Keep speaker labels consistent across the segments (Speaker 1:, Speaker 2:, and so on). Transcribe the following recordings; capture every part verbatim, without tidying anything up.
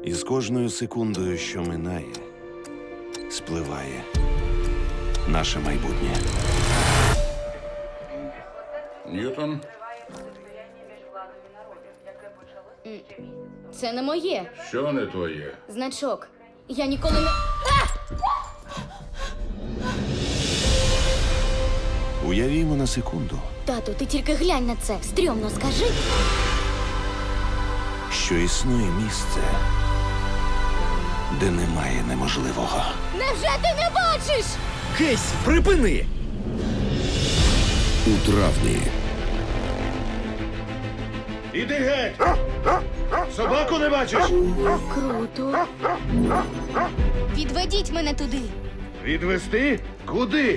Speaker 1: І з кожною секундою, що минає, спливає наше майбутнє.
Speaker 2: Ньютон,
Speaker 3: Це не моє.
Speaker 2: що не твоє?
Speaker 3: Значок. Я ніколи не.
Speaker 1: Уявімо на секунду,
Speaker 3: Тату, ти тільки глянь на це. Стрьомно скажи.
Speaker 1: що існує місце, де немає неможливого.
Speaker 3: Невже ти не бачиш?
Speaker 4: Кейс, припини!
Speaker 5: У травні
Speaker 6: Іди геть! Собаку не бачиш?
Speaker 3: Круто. Відведіть мене туди.
Speaker 6: Відвести? Куди?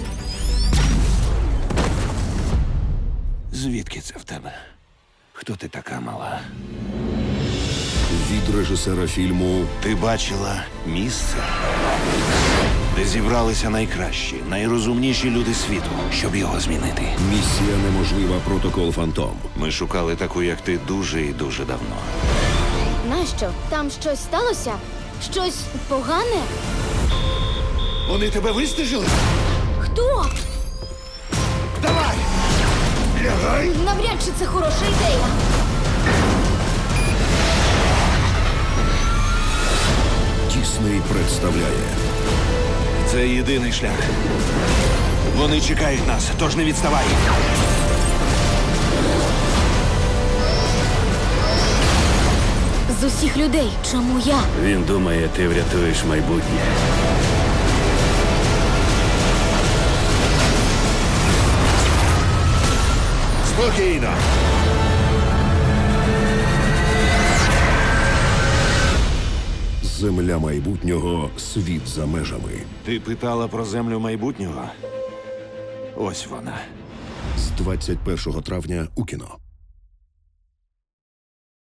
Speaker 1: Звідки це в тебе? Хто ти така мала?
Speaker 5: від режисера фільму
Speaker 1: Ти бачила місце, де зібралися найкращі, найрозумніші люди світу, щоб його змінити.
Speaker 5: Місія неможлива. Протокол Фантом.
Speaker 1: Ми шукали таку, як ти, дуже і дуже давно.
Speaker 3: Нащо? Там щось сталося? Щось погане?
Speaker 6: Вони тебе вистежили?
Speaker 3: Хто?
Speaker 6: Давай! Лягай!
Speaker 3: Навряд чи це хороша ідея.
Speaker 5: Дісней представляє
Speaker 1: Це єдиний шлях. Вони чекають нас, тож не відставай.
Speaker 3: З усіх людей, чому я?
Speaker 4: Він думає, ти врятуєш майбутнє.
Speaker 6: Спокійно!
Speaker 5: Земля майбутнього. Світ за межами.
Speaker 1: Ти питала про землю майбутнього? Ось вона.
Speaker 5: З двадцять першого травня у кіно.